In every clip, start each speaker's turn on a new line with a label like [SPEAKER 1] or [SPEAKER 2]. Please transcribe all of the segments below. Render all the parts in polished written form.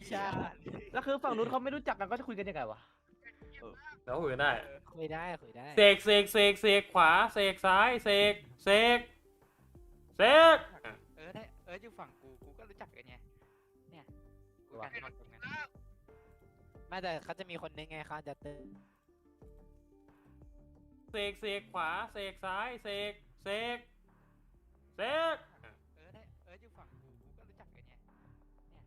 [SPEAKER 1] ใช่
[SPEAKER 2] แล้วคือฝั่งนู้นเขาไม่รู้จักกันก็จะคุยกันยังไงวะ
[SPEAKER 3] แล้วคุยกันได้
[SPEAKER 1] คุยได้
[SPEAKER 3] เสกขวาเสกซ้ายเสก
[SPEAKER 4] ได้อยู่ฝั่งกูก็รู้จักกันไงเนี่ยกูกันหมดตรงนั้น
[SPEAKER 1] ไม่แต่เขาจะมีคนนึงไงเขาจะตื่น
[SPEAKER 3] เสกขวาเสกซ้ายเสก
[SPEAKER 4] ได้อยู่ฝั่งกูก็รู้จักกันไงเนี่ย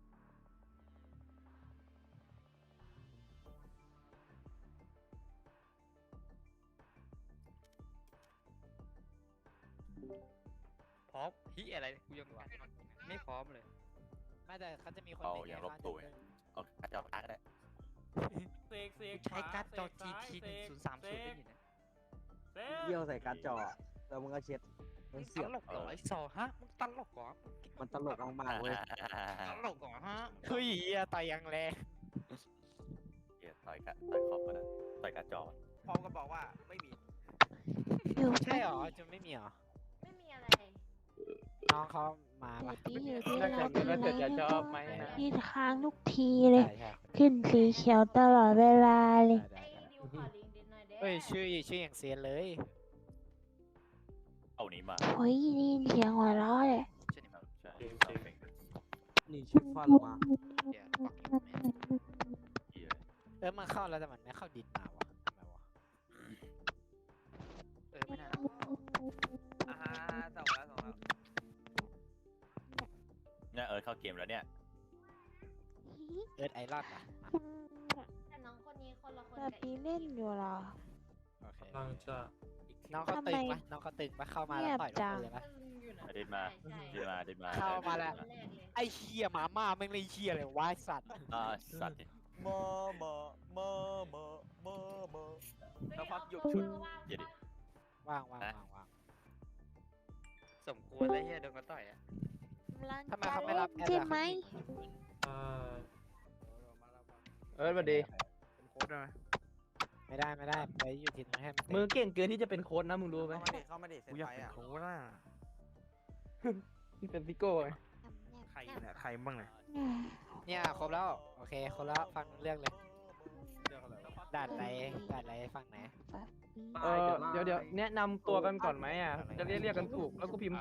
[SPEAKER 4] พร้อมอะไรกูยังไม่พร้อมเลย
[SPEAKER 1] ไม่แต่เขาจะมีคน
[SPEAKER 5] เอา
[SPEAKER 1] นึง
[SPEAKER 5] อ
[SPEAKER 1] ไง
[SPEAKER 5] ย่างลบ
[SPEAKER 1] เขา
[SPEAKER 5] ตัว
[SPEAKER 1] จะ
[SPEAKER 5] เอากระจอกตาก็ได้
[SPEAKER 3] เสก
[SPEAKER 4] ใช้การ์ดจอ GT 1030ได้อยู่นะ
[SPEAKER 6] เยี่ยวใส่การ์ดจอแล้วมึงก็เช็ดมันเสี
[SPEAKER 4] ต
[SPEAKER 6] ยบ
[SPEAKER 4] ลกเหรอไอ้ซอฮะมึงตลกเหรอ
[SPEAKER 6] มันตลกมากๆเว้ย
[SPEAKER 4] ตลกเหรอฮะ
[SPEAKER 1] เฮ้ยต่อยยังแรง
[SPEAKER 5] เหี้ยต่อยคอมก็ได้ต่อยกระจอก
[SPEAKER 7] พร้อมก็บอกว่าไม่มี
[SPEAKER 1] ใช่หรอจะไม่มีหรอ
[SPEAKER 8] ไม่มีอะไร
[SPEAKER 1] น้องเขามาปะ
[SPEAKER 8] อยู่ที่
[SPEAKER 2] ถ้า
[SPEAKER 8] เรา
[SPEAKER 2] เกิดว่าจะชอบไหมนะ
[SPEAKER 8] ที่ค้างทุกทีเลย
[SPEAKER 1] ใช่
[SPEAKER 8] ขึ้นสีเขียวตลอดเวลาเลย
[SPEAKER 1] ได้
[SPEAKER 8] ดิวขอลิงก์ดิหน่อยเด้
[SPEAKER 1] เฮ้ยชื่ออย่างเซียนเลย
[SPEAKER 5] เอานี้มา
[SPEAKER 8] โอ้ยได้ยินเสียงหัวเราะเลย
[SPEAKER 5] ใช่
[SPEAKER 6] นี่ชุดฟันออกมา
[SPEAKER 4] เดี๋ยวปักอยู่แม่
[SPEAKER 5] เหี้ย
[SPEAKER 1] มันเข้าแล้วแต่มันไม่เข้าดินมาวะทำไมวะ
[SPEAKER 4] ไม่น่า
[SPEAKER 7] อ่าส่งแล้ว
[SPEAKER 5] เนี่ยเข้าเกมแล้วเนี่ย
[SPEAKER 1] ไอรอนอ่ะ
[SPEAKER 8] แต่น้องคนนี้คนละคน
[SPEAKER 9] แบบนี้เล่นอยู่เหรอ
[SPEAKER 1] โอเค
[SPEAKER 3] ตั้งจะ
[SPEAKER 1] น้องเขาตึงปะน้องเขาตึงปะเข้ามาแล้วต่อยกับเลยปะ
[SPEAKER 5] เดินมาเดินมา
[SPEAKER 1] เข้ามาแล้ว ไอเฮียหมาม่าแม่งเลยเฮียเลยวะไอ้สัตว์
[SPEAKER 5] สัตว์
[SPEAKER 7] แล้วพักหยุดชุด
[SPEAKER 5] เหี้ยดิ
[SPEAKER 1] ว่าง
[SPEAKER 4] สมควรเลยเฮียโดนเขาต่อยอ่ะ
[SPEAKER 1] ทำไมเขาไม่รับแอด
[SPEAKER 9] ใช่
[SPEAKER 1] ล่ะ
[SPEAKER 9] ไหม
[SPEAKER 3] อ่า
[SPEAKER 2] สวัสดี
[SPEAKER 7] เป็นโค้ดได้ไหม
[SPEAKER 1] ไม่ได้ไปอยู่ทีมนั้นให้มัน
[SPEAKER 2] มือเก่งเกินที่จะเป็นโค้ชนะมึงรู้ไหม
[SPEAKER 7] เข้ามาดิเซน
[SPEAKER 4] กูอยาก
[SPEAKER 7] ไป
[SPEAKER 4] เป็น
[SPEAKER 7] อ่ะ
[SPEAKER 4] โค้ชอ่ะ
[SPEAKER 2] นี่เป็นซิโก้ไง
[SPEAKER 7] ใครเนี่ยใครบ้างเนี่ย
[SPEAKER 1] เนี่ยครบแล้วโอเคครบแล้วฟังเรื่องเลยด่านอะไรฟังไหน
[SPEAKER 2] เดี๋ยวแนะนำตัวกันก่อนไหมอ่ะจะเรียกกันถูกแล้วกูพิมพ์